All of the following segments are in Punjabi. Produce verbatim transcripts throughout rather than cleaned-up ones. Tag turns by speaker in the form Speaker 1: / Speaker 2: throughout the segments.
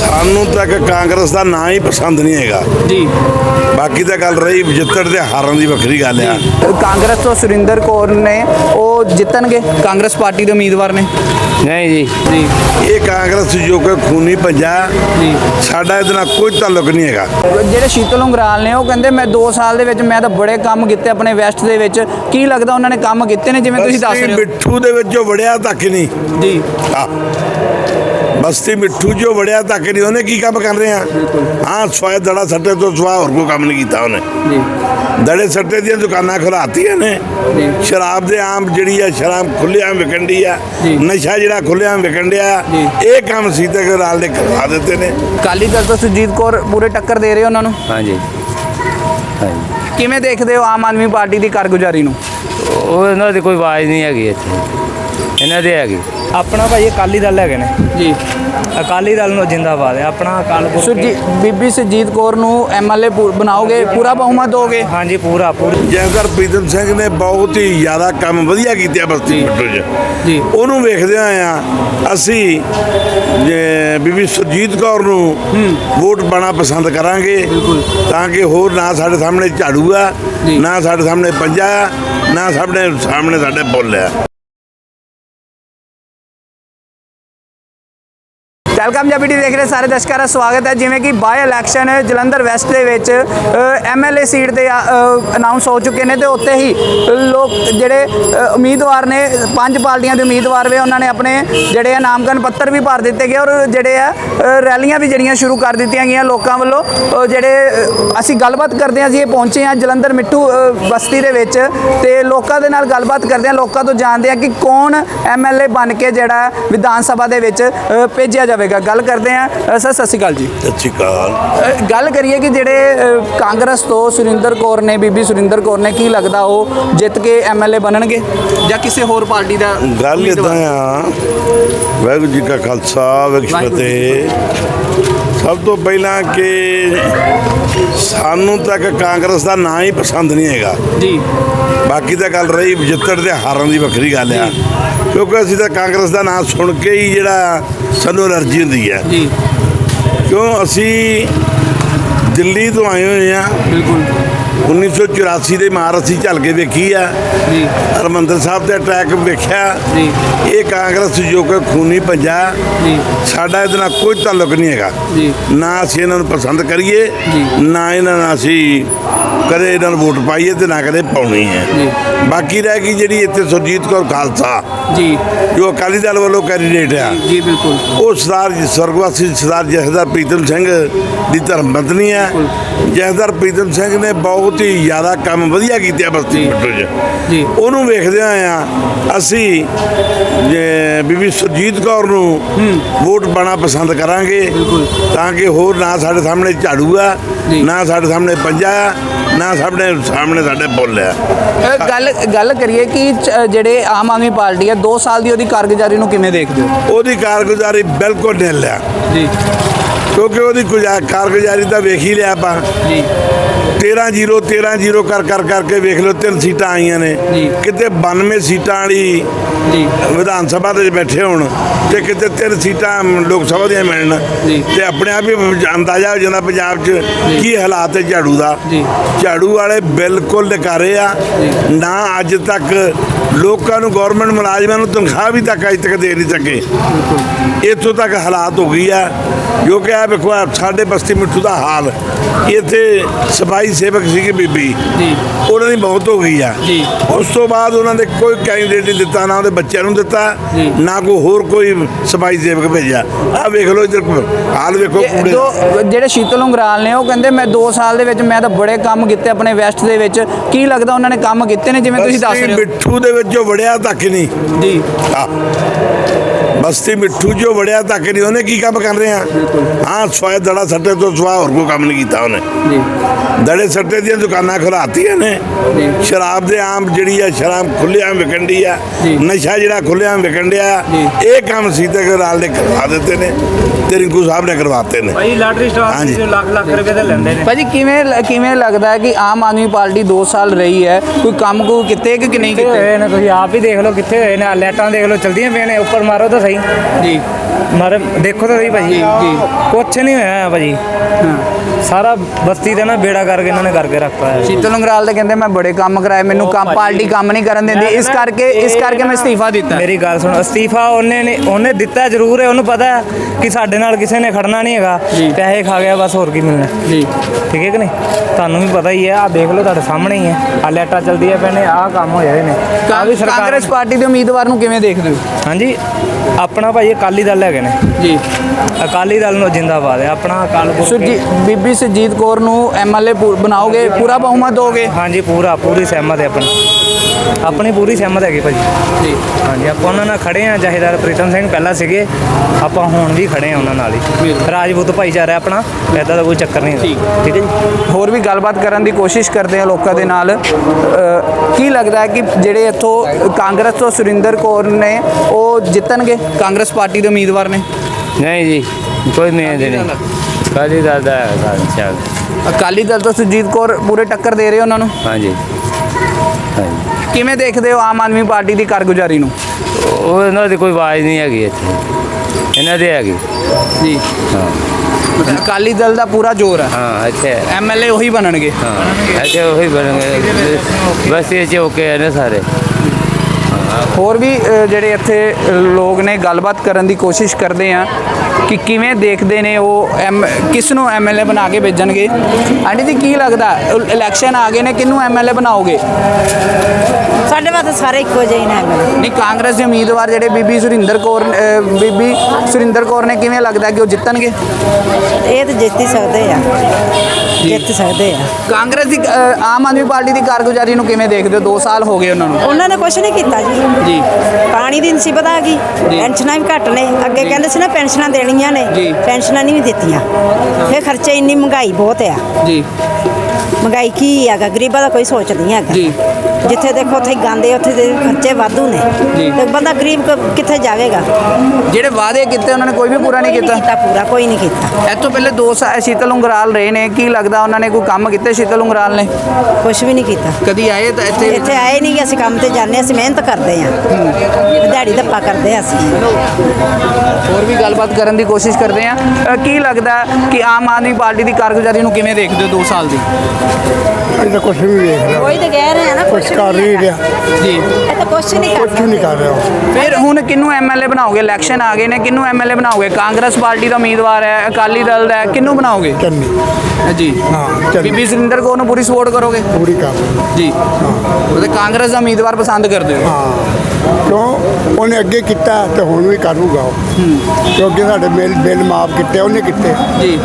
Speaker 1: ਸਾਨੂੰ ਤਾਂ ਕਿ ਕਾਂਗਰਸ ਦਾ ਨਾਂ ਹੀ ਪਸੰਦ ਨਹੀਂ ਹੈਗਾ
Speaker 2: ਜੀ।
Speaker 1: ਬਾਕੀ ਤਾਂ ਗੱਲ ਰਹੀ ਜਿੱਤਣ ਤੇ ਹਾਰਨ ਦੀ ਵੱਖਰੀ ਗੱਲ ਆ।
Speaker 2: ਕਾਂਗਰਸ ਤੋਂ ਸੁਰਿੰਦਰ ਕੌਰ ਨੇ ਉਹ ਜਿੱਤਣਗੇ, ਕਾਂਗਰਸ ਪਾਰਟੀ ਦੇ ਉਮੀਦਵਾਰ ਨੇ?
Speaker 3: ਨਹੀਂ ਜੀ
Speaker 2: ਜੀ
Speaker 1: ਇਹ ਕਾਂਗਰਸ ਜੋ ਕਿ ਖੂਨੀ ਪੰਜਾ
Speaker 2: ਜੀ।
Speaker 1: ਸਾਡਾ ਇਹਦੇ ਨਾਲ ਕੋਈ ਤਾਲੁਕ ਨਹੀਂ ਹੈਗਾ।
Speaker 2: ਜਿਹੜੇ ਸ਼ੀਤਲ ਉਂਗਰਾਲ ਨੇ ਉਹ ਕਹਿੰਦੇ ਮੈਂ ਦੋ ਸਾਲ ਦੇ ਵਿੱਚ ਮੈਂ ਤਾਂ ਬੜੇ ਕੰਮ ਕੀਤੇ ਆਪਣੇ ਵੈਸਟ ਦੇ ਵਿੱਚ। ਕੀ ਲੱਗਦਾ ਉਹਨਾਂ ਨੇ ਕੰਮ ਕੀਤੇ ਨੇ ਜਿਵੇਂ ਤੁਸੀਂ ਦੱਸ ਰਹੇ ਹੋ?
Speaker 1: ਮਿੱਠੂ ਦੇ ਵਿੱਚ ਜੋ ਵੜਿਆ ਤੱਕ ਨਹੀਂ
Speaker 2: ਜੀ।
Speaker 1: ਹਾਂ, ਬਸਤੀ ਮਿੱਠੂ ਜੋ ਵੜਿਆ ਤੱਕ ਨਹੀਂ ਉਹਨੇ ਕੀ ਕੰਮ ਕਰ ਰਹੇ ਆ? ਹਾਂ, ਸਵਾਏ ਦੜਾ ਸੱਟੇ ਤੋਂ ਸਵਾ ਹੋਰ ਕੋਈ ਕੰਮ ਨਹੀਂ ਕੀਤਾ ਉਹਨੇ।
Speaker 2: ਜੀ
Speaker 1: ਦੜੇ ਸੱਟੇ ਦੀਆਂ ਦੁਕਾਨਾਂ ਖੁਲਾਤੀਆਂ ਨੇ। ਸ਼ਰਾਬ ਦੇ ਆਮ ਜਿਹੜੀ ਆ ਸ਼ਰਾਬ ਖੁੱਲ੍ਹੇਆਮ ਵਿਕਣ ਡਈ ਆ, ਨਸ਼ਾ ਜਿਹੜਾ ਖੁੱਲ੍ਹੇਆਮ ਵਿਕਣ ਡਿਆ, ਇਹ ਕੰਮ ਸੀਤੇ ਨਾਲ ਦੇ ਕਰਵਾ ਦਿੱਤੇ ਨੇ।
Speaker 2: ਅਕਾਲੀ ਦਲ ਤੋਂ ਸੁਰਜੀਤ ਕੌਰ ਪੂਰੇ ਟੱਕਰ ਦੇ ਰਹੇ ਉਹਨਾਂ ਨੂੰ।
Speaker 3: ਹਾਂਜੀ ਹਾਂਜੀ।
Speaker 2: ਕਿਵੇਂ ਦੇਖਦੇ ਹੋ ਆਮ ਆਦਮੀ ਪਾਰਟੀ ਦੀ ਕਾਰਗੁਜ਼ਾਰੀ ਨੂੰ?
Speaker 3: ਉਹ ਇਹਨਾਂ ਦੀ ਕੋਈ ਆਵਾਜ਼ ਨਹੀਂ ਹੈਗੀ ਇੱਥੇ, ਇਹਨਾਂ ਦੇ ਹੈਗੀ।
Speaker 4: ਆਪਣਾ ਭਾਈ ਅਕਾਲੀ ਦਲ ਹੈਗੇ ਨੇ
Speaker 2: ਜੀ।
Speaker 4: ਅਕਾਲੀ ਦਲ ਨੂੰ ਜਿੰਦਾਬਾਦ ਹੈ ਆਪਣਾ ਅਕਾਲ ਪੁਰਖ।
Speaker 2: ਸੁਰਜੀਤ ਬੀਬੀ ਸੁਰਜੀਤ ਕੌਰ ਨੂੰ ਐਮਐਲਏ ਬਣਾਓਗੇ, ਪੂਰਾ ਬਹੁਮਤ ਦੋਗੇ?
Speaker 4: ਹਾਂਜੀ ਪੂਰਾ ਪੂਰਾ।
Speaker 1: ਜੈਸਰ ਪ੍ਰੀਤਮ ਸਿੰਘ ਨੇ ਬਹੁਤ ਹੀ ਜ਼ਿਆਦਾ ਕੰਮ ਵਧੀਆ ਕੀਤੇ ਬਸਤੀ ਮਿੱਠੂ 'ਚ
Speaker 2: ਜੀ।
Speaker 1: ਉਹਨੂੰ ਵੇਖਦਿਆਂ ਆ ਅਸੀਂ ਜੇ ਬੀਬੀ ਸੁਰਜੀਤ ਕੌਰ ਨੂੰ ਵੋਟ ਪਾਉਣਾ ਪਸੰਦ ਕਰਾਂਗੇ ਤਾਂ ਕਿ ਹੋਰ ਨਾ ਸਾਡੇ ਸਾਹਮਣੇ ਝਾੜੂ ਆ, ਨਾ ਸਾਡੇ ਸਾਹਮਣੇ ਪੰਜਾ ਆ, ਨਾ ਸਾਡੇ ਸਾਹਮਣੇ ਸਾਡੇ ਪੁੱਲ ਆ।
Speaker 2: ਵੈਲਕਮ ਪੰਜਾਬੀ ਟੀ ਦੇਖ ਰਹੇ ਸਾਰੇ ਦਰਸ਼ਕਾਂ ਦਾ ਸਵਾਗਤ ਹੈ। ਜਿਵੇਂ ਕਿ ਬਾਈ ਇਲੈਕਸ਼ਨ ਜਲੰਧਰ ਵੈਸਟ ਦੇ ਵਿੱਚ ਐਮਐਲਏ ਸੀਟ ਤੇ ਅਨਾਉਂਸ ਹੋ ਚੁੱਕੇ ਨੇ ਤੇ ਉੱਤੇ ਹੀ ਲੋਕ ਜਿਹੜੇ ਅ, ਉਮੀਦਵਾਰ ਨੇ ਪੰਜ ਪਾਰਟੀਆਂ ਦੇ ਉਮੀਦਵਾਰ ਵੇ ਉਹਨਾਂ ਨੇ ਆਪਣੇ ਜਿਹੜੇ ਆ ਨਾਮਕਰਨ ਪੱਤਰ ਵੀ ਭਰ ਦਿੱਤੇ ਗਏ ਔਰ ਜਿਹੜੇ ਆ ਅ, ਰੈਲੀਆਂ ਵੀ ਜਿਹੜੀਆਂ ਸ਼ੁਰੂ ਕਰ ਦਿੱਤੀਆਂ ਗਈਆਂ ਲੋਕਾਂ ਵੱਲੋਂ। ਅ, ਜਿਹੜੇ ਅ, ਅਸੀਂ ਗੱਲਬਾਤ ਕਰਦੇ ਹਾਂ, ਅਸੀਂ ਇਹ ਪਹੁੰਚੇ ਹਾਂ ਜਲੰਧਰ ਮਿੱਠੂ ਅ, ਬਸਤੀ ਦੇ ਵਿੱਚ ਤੇ ਲੋਕਾਂ ਦੇ ਨਾਲ ਗੱਲਬਾਤ ਕਰਦੇ ਹਾਂ, ਲੋਕਾਂ ਤੋਂ ਜਾਣਦੇ ਹਾਂ ਕਿ ਕੌਣ ਐਮਐਲਏ ਬਣ ਕੇ ਜਿਹੜਾ ਵਿਧਾਨ ਸਭਾ ਦੇ ਵਿੱਚ ਅ, ਭੇਜਿਆ ਜਾਵੇਗਾ। ਗੱਲ ਕਰਦੇ ਆ ਸਰ, ਸਤਿ ਸ਼੍ਰੀ ਅਕਾਲ ਜੀ।
Speaker 1: ਸਤਿ ਸ਼੍ਰੀ ਅਕਾਲ।
Speaker 2: ਗੱਲ ਕਰੀਏ ਕਿ ਜਿਹੜੇ ਅ, ਕਾਂਗਰਸ ਤੋਂ ਸੁਰਿੰਦਰ ਕੌਰ ਨੇ, ਬੀਬੀ ਸੁਰਿੰਦਰ ਕੌਰ ਨੇ, ਕੀ ਲੱਗਦਾ ਉਹ ਜਿੱਤ ਕੇ ਐਮਐਲਏ ਬਣਨਗੇ ਜਾਂ ਕਿਸੇ ਹੋਰ ਪਾਰਟੀ ਦਾ?
Speaker 1: ਗੱਲ ਇਦਾਂ ਆ, ਵਾਹਿਗੁਰੂ ਜੀ ਕਾ ਖਾਲਸਾ ਵਾਹਿਗੁਰੂ ਜੀ ਕੀ ਫਤਿਹ। ਸਭ ਤੋਂ ਪਹਿਲਾਂ ਕਿ ਸਾਨੂੰ ਤਾਂ ਕਿ ਕਾਂਗਰਸ ਦਾ ਨਾਂ ਹੀ ਪਸੰਦ ਨਹੀਂ ਹੈਗਾ
Speaker 2: ਜੀ।
Speaker 1: ਬਾਕੀ ਤਾਂ ਗੱਲ ਰਹੀ ਜਿੱਤਣ ਤੇ ਹਾਰਨ ਦੀ ਵੱਖਰੀ ਗੱਲ ਆ, ਕਿਉਂਕਿ ਅਸੀਂ ਤਾਂ ਕਾਂਗਰਸ ਦਾ ਨਾਂ ਸੁਣ ਕੇ ਹੀ ਜਿਹੜਾ ਸਾਨੂੰ ਅਲਰਜੀ ਹੁੰਦੀ ਹੈ।
Speaker 2: ਜੀ।
Speaker 1: ਕਿਉਂ ਅਸੀਂ ਦਿੱਲੀ ਤੋਂ ਆਏ ਹੋਏ ਆ।
Speaker 2: ਬਿਲਕੁਲ।
Speaker 1: ਉੱਨੀ ਸੌ ਚੁਰਾਸੀ ਦੇ ਮਾਰ ਅਸੀਂ ਝੱਲ ਕੇ ਵੇਖੀ ਆ।
Speaker 2: ਜੀ।
Speaker 1: ਹਰਿਮੰਦਰ ਸਾਹਿਬ ਤੇ ਅਟੈਕ ਵੇਖਿਆ।
Speaker 2: ਜੀ।
Speaker 1: ਇਹ ਕਾਂਗਰਸ ਜੋ ਕਿ ਖੂਨੀ ਪੰਜਾ,
Speaker 2: ਜੀ।
Speaker 1: ਸਾਡਾ ਇਹਦੇ ਨਾਲ ਕੋਈ ਤਾਲੁਕ ਨਹੀਂ ਹੈਗਾ।
Speaker 2: ਜੀ।
Speaker 1: ਨਾ ਅਸੀਂ ਇਹਨਾਂ ਨੂੰ ਪਸੰਦ ਕਰੀਏ,
Speaker 2: ਜੀ।
Speaker 1: ਨਾ ਇਹਨਾਂ ਨਾਲ ਅਸੀਂ ਕਦੇ ਇਹਨਾਂ ਨੂੰ ਵੋਟ ਪਾਈਏ ਤੇ ਨਾ ਕਦੇ ਪਾਉਣੀ ਹੈ।
Speaker 2: ਜੀ।
Speaker 1: ਬਾਕੀ ਰਹਿ ਗਈ ਜਿਹੜੀ ਇੱਥੇ ਸੁਰਜੀਤ ਕੌਰ ਖਾਲਸਾ
Speaker 2: ਜੀ।
Speaker 1: ਜੋ ਅਕਾਲੀ ਦਲ ਵੱਲੋਂ ਕੈਂਡੀਡੇਟ ਆ,
Speaker 2: ਜੀ ਬਿਲਕੁਲ।
Speaker 1: ਉਹ ਸਰਦਾਰ ਸਵਰਗਵਾਸੀ ਸਰਦਾਰ ਜਥੇਦਾਰ ਪ੍ਰੀਤਮ ਸਿੰਘ ਦੀ ਧਰਮ ਪਤਨੀ ਹੈ। ਜਥੇਦਾਰ ਪ੍ਰੀਤਮ ਸਿੰਘ ਨੇ ਬਹੁਤ ਹੀ ਜ਼ਿਆਦਾ ਕੰਮ ਵਧੀਆ ਕੀਤੇ ਬਸਤੀ ਮਿੱਠੂ 'ਚ।
Speaker 2: ਜੀ।
Speaker 1: ਉਹਨੂੰ ਵੇਖਦਿਆਂ ਆ ਅਸੀਂ ਜੇ ਬੀਬੀ ਸੁਰਜੀਤ ਕੌਰ ਨੂੰ ਵੋਟ ਪਾਉਣਾ ਪਸੰਦ ਕਰਾਂਗੇ ਤਾਂ ਕਿ ਹੋਰ ਨਾ ਸਾਡੇ ਸਾਹਮਣੇ ਝਾੜੂ ਆ, ਨਾ ਸਾਡੇ ਸਾਹਮਣੇ ਪੰਜਾ ਆ, ਨਾ ਸਾਡੇ ਸਾਹਮਣੇ ਸਾਡੇ ਪੁੱਲ ਆ।
Speaker 2: ਅ, ਗੱਲ ਗੱਲ ਕਰੀਏ ਕਿ ਚ- ਜਿਹੜੇ ਆਮ ਆਦਮੀ ਪਾਰਟੀ ਹੈ ਦੋ ਸਾਲ ਦੀ ਉਹਦੀ ਕਾਰਗੁਜ਼ਾਰੀ ਨੂੰ ਕਿਵੇਂ ਦੇਖਦੇ ਹੋ?
Speaker 1: ਉਹਦੀ ਕਾਰਗੁਜ਼ਾਰੀ ਬਿਲਕੁਲ ਨਿਲ ਆ,
Speaker 2: ਜੀ।
Speaker 1: ਕਿਉਂਕਿ ਉਹਦੀ ਗੁਜ਼ਾ- ਕਾਰਗੁਜ਼ਾਰੀ ਤਾਂ ਵੇਖ ਹੀ ਲਿਆ ਆਪਾਂ।
Speaker 2: ਜੀ।
Speaker 1: ਤੇਰਾਂ ਜ਼ੀਰੋ ਤੇਰਾਂ ਜ਼ੀਰੋ ਕਰ ਕਰ ਕਰਕੇ ਵੇਖ ਲਓ, ਤਿੰਨ ਸੀਟਾਂ ਆਈਆਂ ਨੇ।
Speaker 2: ਜੀ।
Speaker 1: ਕਿਤੇ ਬਾਨਵੇਂ ਸੀਟਾਂ ਵਾਲੀ
Speaker 2: ਜੀ।
Speaker 1: ਵਿਧਾਨ ਸਭਾ ਦੇ ਬੈਠੇ ਹੋਣ ਤੇ ਕਿਤੇ ਤਿੰਨ ਸੀਟਾਂ ਲੋਕ ਸਭਾ ਦੀਆਂ ਮਿਲਣ
Speaker 2: ਜੀ।
Speaker 1: ਤੇ ਆਪਣੇ ਆਪ ਹੀ ਅੰਦਾਜ਼ਾ ਹੋ ਜਾਂਦਾ ਪੰਜਾਬ 'ਚ ਕੀ ਹਾਲਾਤ ਹੈ ਝਾੜੂ ਦਾ।
Speaker 2: ਜੀ।
Speaker 1: ਝਾੜੂ ਵਾਲੇ ਬਿਲਕੁਲ ਨਕਾਰੇ ਆ। ਨਾ ਅੱਜ ਤੱਕ ਲੋਕਾਂ ਨੂੰ, ਗੌਰਮੈਂਟ ਮੁਲਾਜ਼ਮਾਂ ਨੂੰ ਤਨਖਾਹ ਵੀ ਤੱਕ ਅੱਜ ਤੱਕ ਦੇ ਨਹੀਂ ਸਕੇ। ਇੱਥੋਂ ਤੱਕ ਹਾਲਾਤ ਹੋ ਗਈ ਆ ਜੋ ਕਿ ਆ ਵੇਖੋ ਸਾਡੇ ਬਸਤੀ ਮਿੱਠੂ ਦਾ ਹਾਲ। ਇੱਥੇ ਸਫਾਈ ਸੇਵਕ ਸੀਗੇ ਬੀਬੀ,
Speaker 2: ਜੀ।
Speaker 1: ਉਹਨਾਂ ਦੀ ਮੌਤ ਹੋ ਗਈ ਆ।
Speaker 2: ਜੀ।
Speaker 1: ਉਸ ਤੋਂ ਬਾਅਦ ਉਹਨਾਂ ਦੇ ਕੋਈ ਕੈਂਡੀਡੇਟ ਨਹੀਂ ਦਿੱਤਾ, ਨਾ ਉਹਦੇ ਬੱਚਿਆਂ ਨੂੰ ਦਿੱਤਾ,
Speaker 2: ਜੀ।
Speaker 1: ਨਾ ਕੋਈ ਹੋਰ ਕੋਈ ਸਫਾਈ ਸੇਵਕ ਭੇਜਿਆ। ਆਹ ਵੇਖ ਲਓ ਇੱਧਰ ਹਾਲ ਵੇਖੋ
Speaker 2: ਇਹ
Speaker 1: ਕੂੜੇ
Speaker 2: ਦੋ ਜਿਹੜੇ ਸ਼ੀਤਲ ਉਂਗਰਾਲ ਨੇ ਉਹ ਕਹਿੰਦੇ ਮੈਂ ਦੋ ਸਾਲ ਦੇ ਵਿੱਚ ਮੈਂ ਤਾਂ ਬੜੇ ਕੰਮ ਕੀਤੇ ਆਪਣੇ ਵੈਸਟ ਦੇ ਵਿੱਚ। ਕੀ ਲੱਗਦਾ ਉਹਨਾਂ ਨੇ ਕੰਮ ਕੀਤੇ ਨੇ ਜਿਵੇਂ ਤੁਸੀਂ ਦੱਸ ਰਹੇ ਹੋ?
Speaker 1: ਮਿੱਠੂ ਦੇ ਵਿੱਚ ਜੋ ਵੜਿਆ ਤੱਕ ਨਹੀਂ।
Speaker 2: ਜੀ।
Speaker 1: ਆਹ, ਬਸਤੀ ਮਿੱਠੂ ਜੋ ਵੜਿਆ ਤੱਕ ਨਹੀਂ ਉਹਨੇ ਕੀ ਕੰਮ ਕਰ ਰਹੇ ਆ? ਹਾਂ, ਸਵਾਏ ਦੜਾ ਸੱਟੇ ਤੋਂ ਸਵਾ ਹੋਰ ਕੋਈ ਕੰਮ ਨਹੀਂ ਕੀਤਾ ਉਹਨੇ।
Speaker 2: ਜੀ।
Speaker 1: ਦੜੇ ਸੱਟੇ ਦੀਆਂ ਦੁਕਾਨਾਂ ਖੁਲਾਤੀਆਂ ਨੇ। ਸ਼ਰਾਬ ਦੇ ਆਮ ਜਿਹੜੀ ਆ ਸ਼ਰਾਬ ਖੁੱਲ੍ਹੇਆਮ ਵਿਕਣ ਡਈ ਆ, ਨਸ਼ਾ ਜਿਹੜਾ ਖੁੱਲ੍ਹੇਆਮ ਵਿਕਣ ਡਿਆ, ਇਹ ਕੰਮ ਸੀਤੇ ਨਾਲ ਦੇ ਕਰਵਾ ਦਿੱਤੇ ਨੇ ਤੇ ਰਿੰਕੂ ਸਾਹਿਬ ਨੇ ਕਰਵਾਤੇ ਨੇ।
Speaker 4: ਭਾਈ ਲਾਟਰੀ ਸਟਾਰ ਜੋ ਲੱਖ ਲੱਖ ਰੁਪਏ ਦੇ ਲੈਂਦੇ ਨੇ।
Speaker 2: ਭਾਜੀ ਕਿਵੇਂ ਕਿਵੇਂ ਲੱਗਦਾ ਹੈ ਕਿ ਆਮ ਆਦਮੀ ਪਾਰਟੀ ਦੋ ਸਾਲ ਰਹੀ ਹੈ, ਕੋਈ ਕੰਮ ਕੋ ਕਿਤੇ ਕਿ ਨਹੀਂ
Speaker 4: ਕਿੱਥੇ
Speaker 2: ਕੀਤੇ?
Speaker 4: ਹੋਏ ਨੇ ਤੁਸੀਂ ਆਪ ਹੀ ਦੇਖ ਲਓ, ਕਿੱਥੇ ਹੋਏ ਨੇ। ਲਾਈਟਾਂ ਦੇਖ ਲਓ ਚਲਦੀਆਂ ਪਈਆਂ ਨੇ, ਉੱਪਰ ਮਾਰੋ ਤਾਂ ਸਹੀ।
Speaker 2: ਜੀ।
Speaker 4: ਮਾਰੇ ਦੇਖੋ ਤਾਂ ਸਹੀ ਭਾਜੀ
Speaker 2: ਜੀ।
Speaker 4: ਕੁਛ ਨਹੀਂ ਹੋਇਆ ਭਾਜੀ, ਸਾਰਾ ਬਸਤੀ ਦਾ ਨਾ ਬੇੜਾ ਕਰਕੇ ਇਹਨਾਂ ਨੇ ਕਰਕੇ ਰੱਖਤਾ ਹੈ।
Speaker 2: ਸ਼ੀਤਲ ਉਂਗਰਾਲ ਤਾਂ ਕਹਿੰਦੇ ਮੈਂ ਬੜੇ ਕੰਮ ਕਰਾਏ, ਮੈਨੂੰ ਕੰਮ ਪਾਰਟੀ ਕੰਮ ਨਹੀਂ ਕਰਨ ਦਿੰਦੀ, ਇਸ ਕਰਕੇ ਇਸ ਕਰਕੇ ਮੈਂ ਅਸਤੀਫਾ ਦਿੱਤਾ।
Speaker 4: ਮੇਰੀ ਗੱਲ ਸੁਣ, ਅਸਤੀਫਾ ਉਹਨੇ ਨੇ ਉਹਨੇ ਦਿੱਤਾ ਜ਼ਰੂਰ ਹੈ, ਉਹਨੂੰ ਪਤਾ ਹੈ ਕਿ ਸਾਡੇ ਨਾਲ ਕਿਸੇ ਨੇ ਖੜਨਾ ਨਹੀਂ ਹੈਗਾ, ਪੈਸੇ ਖਾ ਗਿਆ ਬਸ, ਹੋਰ ਕੀ ਮਿਲਣਾ
Speaker 2: ਜੀ
Speaker 4: ਠੀਕ ਹੈ ਕਿ ਨਹੀਂ। ਤੁਹਾਨੂੰ ਵੀ ਪਤਾ ਹੀ ਹੈ, ਆਹ ਦੇਖ ਲਓ ਤੁਹਾਡੇ ਸਾਹਮਣੇ ਹੀ ਹੈ, ਆ ਲਾਈਟਾਂ ਚੱਲਦੀਆਂ ਪਏ ਨੇ, ਆਹ ਕੰਮ ਹੋਏ ਨੇ। ਆਹ ਵੀ ਸਰਕਾਰ
Speaker 2: ਕਾਂਗਰਸ ਪਾਰਟੀ ਦੇ ਉਮੀਦਵਾਰ ਨੂੰ ਕਿਵੇਂ ਦੇਖਦੇ ਹੋ?
Speaker 4: ਹਾਂਜੀ, ਆਪਣਾ ਭਾਈ ਅਕਾਲੀ ਦਲ ਹੈਗੇ ਨੇ
Speaker 2: ਜੀ
Speaker 4: ਅਕਾਲੀ ਦਲ ਨੂੰ ਜਿੰਦਾਬਾਦ ਹੈ ਆਪਣਾ ਅਕਾਲ ਪੁਰਖ।
Speaker 2: ਸੁਰਜੀ ਬੀਬੀ ਸੁਰਜੀਤ ਕੌਰ ਨੂੰ ਐਮਐਲਏ ਬਣਾਓਗੇ, ਪੂਰਾ ਬਹੁਮਤ ਦੋਗੇ?
Speaker 4: ਹਾਂਜੀ ਪੂਰਾ ਪੂਰੀ ਸਹਿਮਤ ਹੈ ਆਪਣੀ ਆਪਣੀ ਪੂਰੀ ਸਹਿਮਤ ਹੈਗੀ ਭਾਜੀ
Speaker 2: ਜੀ
Speaker 4: ਹਾਂਜੀ। ਆਪਾਂ ਉਹਨਾਂ ਨਾਲ ਖੜੇ ਆ, ਜਥੇਦਾਰ ਪ੍ਰੀਤਮ ਸਿੰਘ ਪਹਿਲਾਂ ਸੀਗੇ, ਆਪਾਂ ਹੁਣ ਵੀ ਖੜੇ ਆ ਉਹਨਾਂ ਨਾਲ ਹੀ। ਰਾਜਪੂਤ ਭਾਈਚਾਰਾ ਆਪਣਾ, ਇੱਦਾਂ ਦਾ ਕੋਈ ਚੱਕਰ ਨਹੀਂ
Speaker 2: ਠੀਕ।
Speaker 4: ਠੀਕ ਹੈ ਜੀ।
Speaker 2: ਹੋਰ ਵੀ ਗੱਲਬਾਤ ਕਰਨ ਦੀ ਕੋਸ਼ਿਸ਼ ਕਰਦੇ ਆ ਲੋਕਾਂ ਦੇ ਨਾਲ। ਅ, ਕੀ ਲੱਗਦਾ ਹੈ ਕਿ ਜਿਹੜੇ ਇੱਥੋਂ ਕਾਂਗਰਸ ਤੋਂ ਸੁਰਿੰਦਰ ਕੌਰ ਨੇ ਉਹ ਜਿੱਤਣਗੇ, ਕਾਂਗਰਸ ਪਾਰਟੀ ਦੇ ਉਮੀਦਵਾਰ ਨੇ?
Speaker 3: ਨਹੀਂ ਜੀ, ਕੋਈ ਮਿਹਨਤ ਨਹੀਂ, ਕਾਲੀ ਦਲ ਦਾ ਹੈਗਾ ਚੱਲ।
Speaker 2: ਅਕਾਲੀ ਦਲ ਤੋਂ ਸੁਰਜੀਤ ਕੌਰ ਪੂਰੇ ਟੱਕਰ ਦੇ ਰਹੇ ਉਹਨਾਂ ਨੂੰ,
Speaker 3: ਹਾਂਜੀ ਹਾਂਜੀ,
Speaker 2: ਕਿਵੇਂ ਦੇਖਦੇ ਹੋ ਆਮ ਆਦਮੀ ਪਾਰਟੀ ਦੀ ਕਾਰਗੁਜ਼ਾਰੀ ਨੂੰ?
Speaker 3: ਉਹ ਇਹਨਾਂ ਦੀ ਕੋਈ ਆਵਾਜ਼ ਨਹੀਂ ਹੈਗੀ ਇੱਥੇ, ਇਹਨਾਂ ਦੀ ਹੈਗੀ।
Speaker 2: ਜੀ
Speaker 3: ਹਾਂ
Speaker 2: ਅਕਾਲੀ ਦਲ ਦਾ ਪੂਰਾ ਜ਼ੋਰ ਹੈ,
Speaker 3: ਹਾਂ ਇੱਥੇ
Speaker 2: ਐਮਐਲਏ ਉਹੀ ਬਣਨਗੇ।
Speaker 3: ਹਾਂ ਇੱਥੇ ਉਹੀ ਬਣਨਗੇ, ਬਸ ਇਹ ਚੌਕੇ ਨੇ ਸਾਰੇ।
Speaker 2: ਹੋਰ ਵੀ ਅ, ਜਿਹੜੇ ਇੱਥੇ ਲੋਕ ਨੇ ਗੱਲਬਾਤ ਕਰਨ ਦੀ ਕੋਸ਼ਿਸ਼ ਕਰਦੇ ਆ ਕਿ ਕਿਵੇਂ ਦੇਖਦੇ ਨੇ ਉਹ ਐਮ ਕਿਸ ਨੂੰ ਐਮਐਲਏ ਬਣਾ ਕੇ ਭੇਜਣਗੇ। ਆਂਟੀ ਜੀ ਕੀ ਲੱਗਦਾ ਇਲੈਕਸ਼ਨ ਆ ਗਏ ਨੇ, ਕਿਹਨੂੰ ਐਮਐਲਏ ਬਣਾਓਗੇ?
Speaker 5: ਸਾਡੇ ਵਾਸਤੇ ਸਾਰੇ ਇੱਕੋ ਜਿਹੇ ਹੀ ਨੇ ਐਮਐਲਏ।
Speaker 2: ਨਹੀਂ ਕਾਂਗਰਸ ਦੇ ਉਮੀਦਵਾਰ ਜਿਹੜੇ ਬੀਬੀ ਸੁਰਿੰਦਰ ਕੌਰ ਅ, ਬੀਬੀ ਸੁਰਿੰਦਰ ਕੌਰ ਨੇ, ਕਿਵੇਂ ਲੱਗਦਾ ਕਿ ਉਹ ਜਿੱਤਣਗੇ?
Speaker 5: ਇਹ ਤਾਂ ਜਿੱਤ ਹੀ ਸਕਦੇ ਆ, ਜਿੱਤ ਸਕਦੇ ਆ।
Speaker 2: ਕਾਂਗਰਸ ਦੀ ਅ, ਆਮ ਆਦਮੀ ਪਾਰਟੀ ਦੀ ਕਾਰਗੁਜ਼ਾਰੀ ਨੂੰ ਕਿਵੇਂ ਦੇਖਦੇ ਹੋ? ਦੋ ਸਾਲ ਹੋ ਗਏ ਉਹਨਾਂ ਨੂੰ।
Speaker 5: ਉਹਨਾਂ ਨੇ ਕੁਛ ਨਹੀਂ ਕੀਤਾ ਜੀ।
Speaker 2: ਜੀ
Speaker 5: ਪਾਣੀ ਦੀ ਮੁਸੀਬਤ ਆ ਗਈ, ਪੈਨਸ਼ਨਾਂ ਵੀ ਘੱਟ ਨੇ, ਅੱਗੇ ਕਹਿੰਦੇ ਸੀ ਨਾ ਪੈਨਸ਼ਨਾਂ ਦੇਣੀਆਂ ਨੇ,
Speaker 2: ਜੀ।
Speaker 5: ਪੈਨਸ਼ਨਾਂ ਨਹੀਂ ਵੀ ਦਿੱਤੀਆਂ। ਫਿਰ ਖਰਚੇ, ਇੰਨੀ ਮਹਿੰਗਾਈ ਬਹੁਤ ਆ।
Speaker 2: ਜੀ
Speaker 5: ਮਹਿੰਗਾਈ ਕੀ ਹੈਗਾ, ਗਰੀਬਾਂ ਦਾ ਕੋਈ ਸੋਚ ਨਹੀਂ ਹੈਗਾ।
Speaker 2: ਜੀ।
Speaker 5: ਜਿੱਥੇ ਦੇਖੋ ਉੱਥੇ ਹੀ ਗਾਂਦੇ, ਉੱਥੇ ਦੇ ਖਰਚੇ ਵਾਧੂ ਨੇ,
Speaker 2: ਜੀ।
Speaker 5: ਤੇ ਬੰਦਾ ਗਰੀਬ ਕ- ਕਿੱਥੇ ਜਾਵੇਗਾ?
Speaker 2: ਜਿਹੜੇ ਵਾਅਦੇ ਕੀਤੇ ਉਹਨਾਂ ਨੇ ਕੋਈ ਵੀ ਪੂਰਾ ਨਹੀਂ
Speaker 5: ਕੋਈ
Speaker 2: ਕੀਤਾ।
Speaker 5: ਕੀਤਾ ਪੂਰਾ, ਕੋਈ ਨਹੀਂ ਕੀਤਾ।
Speaker 2: ਇਹ ਤੋਂ ਪਹਿਲੇ ਦੋ ਸਾਲ ਸ਼ੀਤਲ ਉਂਗਰਾਲ ਰਹੇ ਨੇ, ਕੀ ਲੱਗਦਾ ਉਹਨਾਂ ਨੇ ਕੋਈ ਕੰਮ ਕੀਤੇ ਸ਼ੀਤਲ ਉਂਗਰਾਲ ਨੇ?
Speaker 5: ਕੁਛ ਵੀ ਨਹੀਂ ਕੀਤਾ।
Speaker 2: ਕਦੀ ਆਏ ਤਾਂ ਇੱਥੇ?
Speaker 5: ਇੱਥੇ ਆਏ ਨਹੀਂ ਕਿ ਅਸੀਂ ਕੰਮ ਤੇ ਜਾਂਦੇ, ਅਸੀਂ ਮਿਹਨਤ ਕਰਦੇ ਹਾਂ, ਦਿਹਾੜੀ ਧੱਪਾ ਕਰਦੇ ਹਾਂ ਅਸੀਂ।
Speaker 2: ਹੋਰ ਵੀ ਗੱਲਬਾਤ ਕਰਨ ਦੀ ਕੋਸ਼ਿਸ਼ ਕਰਦੇ ਆ। ਕੀ ਲੱਗਦਾ ਕਿ ਆਮ ਆਦਮੀ ਪਾਰਟੀ ਦੀ ਕਾਰਗੁਜ਼ਾਰੀ ਨੂੰ ਕਿਵੇਂ ਦੇਖਦੇ ਹੋ ਦੋ ਸਾਲ ਦੀ?
Speaker 6: ਇਹ ਤਾਂ ਕੁਛ ਵੀ ਵੇਖ ਰਿਹਾ,
Speaker 5: ਕੋਈ ਤਾਂ ਕਹਿ ਰਹੇ ਆ ਨਾ,
Speaker 6: ਕੁਛ ਕਰ ਨਹੀਂ ਰਿਹਾ,
Speaker 2: ਜੀ
Speaker 5: ਇਹ ਤਾਂ ਕੁਛ ਨਹੀਂ
Speaker 6: ਕੁਛ ਵੀ ਨਹੀਂ ਕਰ ਰਿਹਾ।
Speaker 2: ਫਿਰ ਹੁਣ ਕਿਹਨੂੰ ਐਮਐਲਏ ਬਣਾਓਗੇ? ਇਲੈਕਸ਼ਨ ਆ ਗਏ ਨੇ, ਕਿਹਨੂੰ ਐਮਐਲਏ ਬਣਾਓਗੇ? ਕਾਂਗਰਸ ਪਾਰਟੀ ਦਾ ਉਮੀਦਵਾਰ ਹੈ, ਅਕਾਲੀ ਦਲ ਦਾ ਹੈ, ਕਿਹਨੂੰ ਬਣਾਓਗੇ?
Speaker 6: ਚੰਨੀ
Speaker 2: ਜੀ
Speaker 6: ਹਾਂ ਚੰਨੀ
Speaker 2: ਬੀਬੀ ਸੁਰਿੰਦਰ ਕੌਰ ਨੂੰ ਪੂਰੀ ਸਪੋਰਟ ਕਰੋਗੇ?
Speaker 6: ਪੂਰੀ ਕਰ
Speaker 2: ਜੀ ਉਹਦੇ ਕਾਂਗਰਸ ਦਾ ਉਮੀਦਵਾਰ ਪਸੰਦ ਕਰਦੇ ਹੋ?
Speaker 6: ਹਾਂ, ਕਿਉਂ ਉਹਨੇ ਅੱਗੇ ਕੀਤਾ ਤੇ ਹੁਣ ਵੀ ਕਰੂਗਾ ਉਹ। ਕਿਉਂਕਿ ਸਾਡੇ ਬਿੱਲ ਬਿੱਲ ਮਾਫ ਕੀਤੇ ਉਹਨੇ ਕੀਤੇ।
Speaker 2: ਜੀ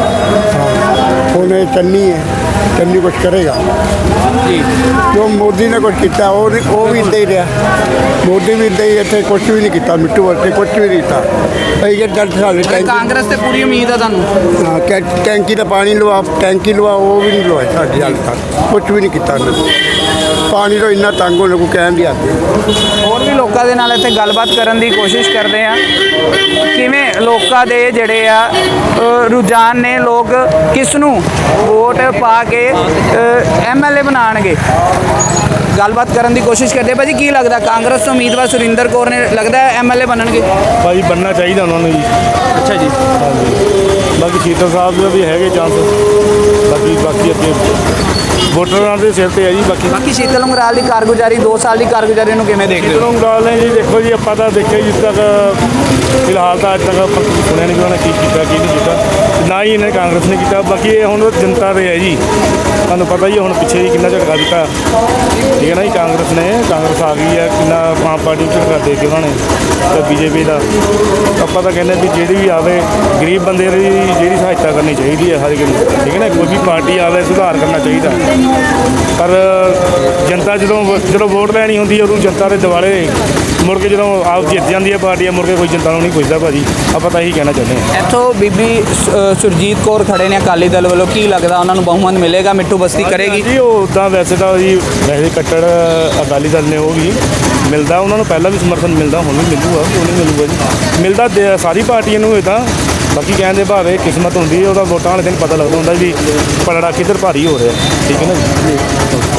Speaker 6: ਉਹਨੇ ਚੰਨੀ ਹੈ, ਚੰਨੀ ਕੁਛ ਕਰੇਗਾ।
Speaker 2: ਜੀ
Speaker 6: ਜੋ ਮੋਦੀ ਨੇ ਕੁਛ ਕੀਤਾ ਉਹ ਨਹੀਂ- ਉਹ ਵੀ ਇੱਦਾਂ ਹੀ ਰਿਹਾ। ਮੋਦੀ ਵੀ ਇੱਦਾਂ ਹੀ ਇੱਥੇ ਕੁਛ ਵੀ ਨਹੀਂ ਕੀਤਾ, ਮਿੱਟੂ ਵਰਤੇ ਕੁਛ ਵੀ ਨਹੀਂ ਕੀਤਾ। ਅਸੀਂ ਕਿ ਡਰ ਸਾਡੇ ਟੈਂਕੀ
Speaker 2: ਕਾਂਗਰਸ ਤੇ ਪੂਰੀ ਉਮੀਦ ਆ ਤੁਹਾਨੂੰ?
Speaker 6: ਹਾਂ, ਟੈਂ- ਟੈਂਕੀ ਦਾ ਪਾਣੀ ਲਵਾ, ਟੈਂਕੀ ਲਵਾ, ਉਹ ਵੀ ਨਹੀਂ ਲਵਾਇਆ ਸਾਡੀ ਹਾਲ ਤੱਕ, ਕੁਛ ਵੀ ਨਹੀਂ ਕੀਤਾ ਉਹਨਾਂ ਨੇ। ਪਾਣੀ ਤੋਂ ਇੰਨਾ ਤੰਗ ਹੋਣ ਨੂੰ ਕਹਿਣ ਦੀ ਹੱਦ ਹੈ।
Speaker 2: ਹੋਰ ਵੀ ਲੋਕਾਂ ਦੇ ਨਾਲ ਇੱਥੇ ਗੱਲਬਾਤ ਕਰਨ ਦੀ ਕੋਸ਼ਿਸ਼ ਕਰਦੇ ਆ। ਕਿਵੇਂ ਲੋਕਾਂ ਦੇ ਜਿਹੜੇ ਆ ਅ, ਰੁਝਾਨ ਨੇ, ਲੋਕ ਕਿਸ ਨੂੰ ਵੋਟ ਪਾ ਕੇ ਐਮਐਲਏ ਬਣਾਉਣਗੇ, ਗੱਲਬਾਤ ਕਰਨ ਦੀ ਕੋਸ਼ਿਸ਼ ਕਰਦੇ। ਭਾਜੀ ਕੀ ਲੱਗਦਾ ਕਾਂਗਰਸ ਤੋਂ ਉਮੀਦਵਾਰ ਸੁਰਿੰਦਰ ਕੌਰ ਨੇ ਲੱਗਦਾ ਐਮਐਲਏ ਬਣਨਗੇ?
Speaker 7: ਭਾਈ ਬਣਨਾ ਚਾਹੀਦਾ ਉਹਨਾਂ ਨੂੰ ਜੀ।
Speaker 2: ਅੱਛਾ ਜੀ
Speaker 7: ਬਾਕੀ ਸ਼ੀਤਲ ਸਾਹਿਬ ਦੇ ਵੀ ਹੈਗੇ ਚਾਂਸ, ਬਾਕੀ ਬਾਕੀ ਅੱਗੇ ਵੋਟਰਾਂ ਦੇ ਸਿਰ ਤੇ ਹੈ ਜੀ। ਬਾਕੀ
Speaker 2: ਬਾਕੀ ਸ਼ੀਤਲ ਉਂਗਰਾਲ ਦੀ ਕਾਰਗੁਜ਼ਾਰੀ, ਦੋ ਸਾਲ ਦੀ ਕਾਰਗੁਜ਼ਾਰੀ ਨੂੰ ਕਿਵੇਂ ਦੇਖਦੇ ਹੋ?
Speaker 7: ਸ਼ੀਤਲ ਗੱਲ ਨੇ ਜੀ, ਦੇਖੋ ਜੀ ਆਪਾਂ ਤਾਂ ਦੇਖਿਆ ਜਿਸ ਤੱਕ ਫਿਲਹਾਲ ਤਾਂ ਅੱਜ ਤੱਕ ਆਪਾਂ ਸੁਣਿਆ ਨਹੀਂ ਕਿ ਉਹਨਾਂ ਨੇ ਕੀ ਕੀਤਾ ਕੀ ਨਹੀਂ ਕੀਤਾ, ਨਾ ਹੀ ਇਹਨੇ ਕਾਂਗਰਸ ਨੇ ਕੀਤਾ। ਬਾਕੀ ਇਹ ਹੁਣ ਜਨਤਾ ਦੇ ਹੈ ਜੀ, ਤੁਹਾਨੂੰ ਪਤਾ ਹੀ ਹੈ ਹੁਣ ਪਿੱਛੇ ਜੀ ਕਿੰਨਾ ਝਟਕਾ ਦਿੱਤਾ, ਠੀਕ ਹੈ ਨਾ ਜੀ। ਕਾਂਗਰਸ ਨੇ ਕਾਂਗਰਸ ਆ ਗਈ ਹੈ, ਕਿੰਨਾ ਆਮ ਪਾਰਟੀ ਨੂੰ ਝਟਕਾ ਦੇ ਕੇ ਉਹਨਾਂ ਨੇ, ਤੇ ਬੀਜੇਪੀ ਦਾ। ਆਪਾਂ ਤਾਂ ਕਹਿੰਦੇ ਵੀ ਜਿਹੜੀ ਵੀ ਆਵੇ ਗਰੀਬ ਬੰਦੇ ਦੀ ਜਿਹੜੀ ਸਹਾਇਤਾ ਕਰਨੀ ਚਾਹੀਦੀ ਹੈ ਹਰ ਇੱਕ ਨੂੰ, ਠੀਕ ਹੈ ਨਾ। ਕੋਈ ਵੀ ਪਾਰਟੀ ਆਵੇ ਸੁਧਾਰ ਕਰਨਾ ਚਾਹੀਦਾ, ਪਰ ਜਨਤਾ ਜਦੋਂ ਜਦੋਂ ਵੋਟ ਲੈਣੀ ਹੁੰਦੀ ਹੈ ਉਦੋਂ ਜਨਤਾ ਦੇ ਦਿਵਾਲੇ ਮੁੜ ਕੇ ਜਦੋਂ ਆਪ ਜਿੱਤ ਜਾਂਦੀ ਹੈ ਪਾਰਟੀ, ਮੁੜ ਕੇ ਕੋਈ ਜਨਤਾ ਨੂੰ ਨਹੀਂ ਪੁੱਛਦਾ ਭਾਜੀ। ਆਪਾਂ ਤਾਂ ਇਹੀ ਕਹਿਣਾ ਚਾਹੁੰਦੇ ਹਾਂ।
Speaker 2: ਇੱਥੋਂ ਬੀਬੀ ਸ- ਸੁਰਜੀਤ ਕੌਰ ਖੜੇ ਨੇ ਅਕਾਲੀ ਦਲ ਵੱਲੋਂ, ਕੀ ਲੱਗਦਾ ਉਹਨਾਂ ਨੂੰ ਬਹੁਮਤ ਮਿਲੇਗਾ? ਮਿੱਠੂ ਬਸਤੀ ਕਰੇਗੀ?
Speaker 7: ਜੀ ਉਹ ਉੱਦਾਂ ਵੈਸੇ ਤਾਂ ਜੀ ਵੈਸੇ ਕੱਟੜ ਅਕਾਲੀ ਦਲ ਨੇ, ਉਹ ਵੀ ਮਿਲਦਾ ਉਹਨਾਂ ਨੂੰ, ਪਹਿਲਾਂ ਵੀ ਸਮਰਥਨ ਮਿਲਦਾ, ਹੁਣ ਵੀ ਮਿਲੂਗਾ, ਉਹ ਨਹੀਂ ਮਿਲੂਗਾ ਜੀ। ਮਿਲਦਾ ਦੇ- ਸਾਰੀ ਪਾਰਟੀਆਂ ਨੂੰ ਇਹ ਤਾਂ, ਬਾਕੀ ਕਹਿੰਦੇ ਭਾਵੇਂ ਕਿਸਮਤ ਹੁੰਦੀ ਹੈ, ਉਹਦਾ ਵੋਟਾਂ ਵਾਲੇ ਦਿਨ ਪਤਾ ਲੱਗਦਾ ਹੁੰਦਾ ਵੀ ਪਲੜਾ ਕਿੱਧਰ ਭਾਰੀ ਹੋ ਰਿਹਾ, ਠੀਕ ਹੈ ਨਾ ਜੀ।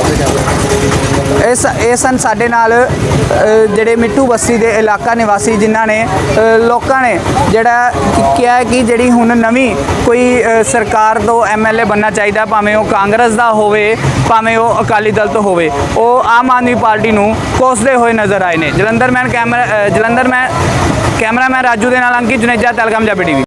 Speaker 2: ਇਸ ਇਹ ਸਨ ਸਾਡੇ ਨਾਲ ਅ, ਜਿਹੜੇ ਮਿੱਠੂ ਬਸਤੀ ਦੇ ਇਲਾਕਾ ਨਿਵਾਸੀ ਜਿਨ੍ਹਾਂ ਨੇ ਅ, ਲੋਕਾਂ ਨੇ ਜਿਹੜਾ ਕਿ- ਕਿਹਾ ਹੈ ਕਿ ਜਿਹੜੀ ਹੁਣ ਨਵੀਂ ਕੋਈ ਅ, ਸਰਕਾਰ ਤੋਂ ਐਮਐਲਏ ਬਣਨਾ ਚਾਹੀਦਾ, ਭਾਵੇਂ ਉਹ ਕਾਂਗਰਸ ਦਾ ਹੋਵੇ ਭਾਵੇਂ ਉਹ ਅਕਾਲੀ ਦਲ ਤੋਂ ਹੋਵੇ, ਉਹ ਆਮ ਆਦਮੀ ਪਾਰਟੀ ਨੂੰ ਕੋਸਦੇ ਹੋਏ ਨਜ਼ਰ ਆਏ ਨੇ। ਜਲੰਧਰ ਮੈਨ ਕੈਮਰਾ ਅ, ਜਲੰਧਰ ਮੈਂ ਕੈਮਰਾਮੈਨ ਰਾਜੂ ਦੇ ਨਾਲ ਅੰਕਿਤ ਜੁਨੇਜਾ, ਤਲਗਮ ਪੰਜਾਬੀ ਟੀਵੀ।